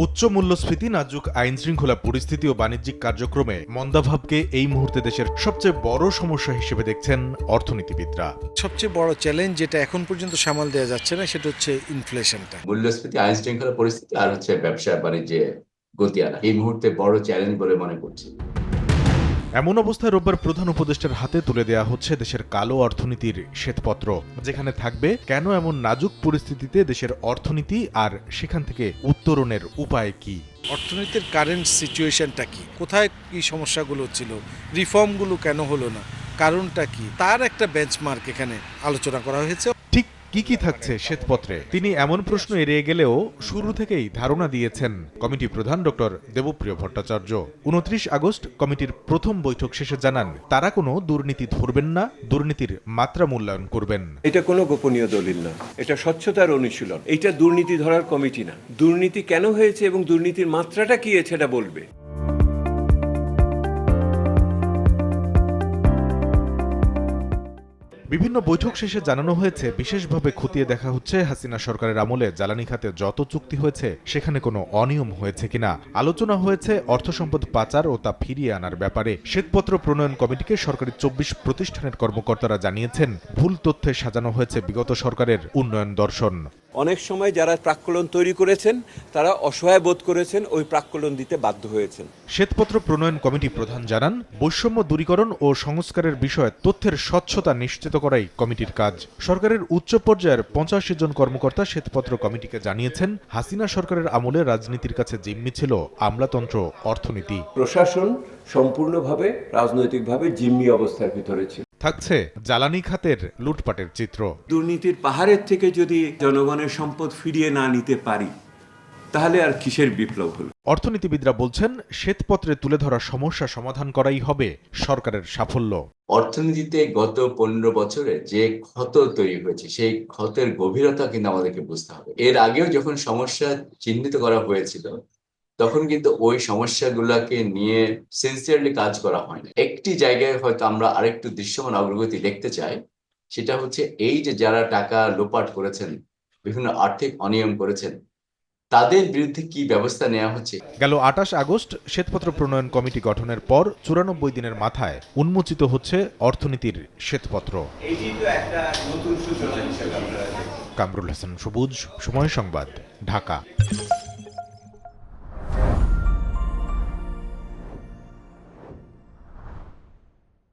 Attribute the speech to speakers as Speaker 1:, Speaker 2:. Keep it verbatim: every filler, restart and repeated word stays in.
Speaker 1: উচ্চ মূল্যস্ফীতি, নাজুক আইন শৃঙ্খলা পরিস্থিতি ও বাণিজ্যিক কার্যক্রমে মন্দাভাবকে এই মুহূর্তে দেশের সবচেয়ে বড় সমস্যা হিসেবে দেখছেন অর্থনীতিবিদরা।
Speaker 2: সবচেয়ে বড় চ্যালেঞ্জ যেটা এখন পর্যন্ত সামাল দেওয়া যাচ্ছে না সেটা হচ্ছে ইনফ্লেশনটা।
Speaker 3: মূল্যস্ফীতি, আইন শৃঙ্খলা পরিস্থিতি আর হচ্ছে ব্যবসা বাণিজ্যে গতি আনা এই মুহূর্তে বড় চ্যালেঞ্জ বলে মনে করছি।
Speaker 1: এমন অবস্থায় রোববার প্রধান উপদেষ্টার হাতে তুলে দেয়া হচ্ছে দেশের কালো অর্থনীতির শ্বেতপত্র, যেখানে থাকবে কেন এমন নাজুক পরিস্থিতিতে দেশের অর্থনীতি আর সেখান থেকে উত্তরণের উপায় কি।
Speaker 2: অর্থনীতির কারেন্ট সিচুয়েশনটা কি, কোথায় কি সমস্যাগুলো ছিল, রিফর্মগুলো কেন হলো না, কারণটা কি, তার একটা বেঞ্চমার্ক এখানে আলোচনা করা হয়েছে।
Speaker 1: ঠিক কি কি থাকছে শ্বেতপত্রে তিনি এমন প্রশ্ন এড়িয়ে গেলেও শুরু থেকেই ধারণা দিয়েছেন কমিটি প্রধান ডক্টর দেবপ্রিয় ভট্টাচার্য। উনত্রিশ আগস্ট কমিটির প্রথম বৈঠক শেষে জানান, তারা কোনো দুর্নীতি ধরবেন না, দুর্নীতির মাত্রা মূল্যায়ন করবেন।
Speaker 4: এটা কোনো গোপনীয় দলিল না, এটা স্বচ্ছতার অনুশীলন। এটা দুর্নীতি ধরার কমিটি না। দুর্নীতি কেন হয়েছে এবং দুর্নীতির মাত্রাটা কি সেটা বলবে।
Speaker 1: বিভিন্ন বৈঠক শেষে জানানো হয়েছে, বিশেষভাবে খতিয়ে দেখা হচ্ছে হাসিনা সরকারের আমলে জ্বালানি খাতে যত চুক্তি হয়েছে সেখানে কোনো অনিয়ম হয়েছে কিনা। আলোচনা হয়েছে অর্থ সম্পদ পাচার ও তা ফিরিয়ে আনার ব্যাপারে। শ্বেতপত্র প্রণয়ন কমিটিকে সরকারি চব্বিশ প্রতিষ্ঠানের কর্মকর্তারা জানিয়েছেন, ভুল তথ্যে সাজানো হয়েছে বিগত সরকারের উন্নয়ন দর্শন।
Speaker 4: অনেক সময় যারা প্রাক্কলন তৈরি করেছেন তারা অসহায় বোধ করেছেন, ওই প্রাক্কলন দিতে বাধ্য হয়েছেন।
Speaker 1: শ্বেতপত্র প্রণয়ন কমিটি প্রধান জানান, বৈষম্য দূরীকরণ ও সংস্কারের বিষয়ে তথ্যের স্বচ্ছতা নিশ্চিত করাই কমিটির কাজ। সরকারের উচ্চ পর্যায়ের পঞ্চাশি জন কর্মকর্তা শ্বেতপত্র কমিটিকে জানিয়েছেন, হাসিনা সরকারের আমলে রাজনীতির কাছে জিম্মি ছিল আমলাতন্ত্র, অর্থনীতি।
Speaker 4: প্রশাসন সম্পূর্ণভাবে রাজনৈতিকভাবে জিম্মি অবস্থার ভিতরে ছিল।
Speaker 1: থাকছে জ্বালানি খাতের লুটপাটের চিত্র।
Speaker 4: দুর্নীতির পাহাড়ের থেকে যদি জনগণের সম্পদ ফিরিয়ে না নিতে পারি তাহলে আর কিসের বিপ্লব হলো।
Speaker 1: অর্থনীতিবিদরা বলছেন, শ্বেতপত্রে তুলে ধরা সমস্যা সমাধান করাই হবে সরকারের সাফল্য।
Speaker 3: অর্থনীতিতে গত পনেরো বছরে যে ক্ষত তৈরি হয়েছে সেই ক্ষতের গভীরতা কিন্তু আমাদেরকে বুঝতে হবে। এর আগেও যখন সমস্যা চিহ্নিত করা হয়েছিল তখন কিন্তু ওই সমস্যাগুলোকে নিয়ে সিনসিয়ারলি কাজ করা হয় না। একটি জায়গায় হয়তো আমরা আরেকটু দৃশ্যমান অগ্রগতি দেখতে চাই, সেটা হচ্ছে এই যে যারা টাকা লোপাট করেছেন, বিভিন্ন আর্থিক অনিয়ম করেছেন, তাদের বিরুদ্ধে কি ব্যবস্থা নেওয়া হচ্ছে।
Speaker 1: গেল আটাশ আগস্ট শ্বেতপত্র প্রণয়ন কমিটি গঠনের পর চুরানব্বই দিনের মাথায় উন্মোচিত হচ্ছে অর্থনীতির শ্বেতপত্র। কামরুল হাসান সবুজ, সময় সংবাদ, ঢাকা।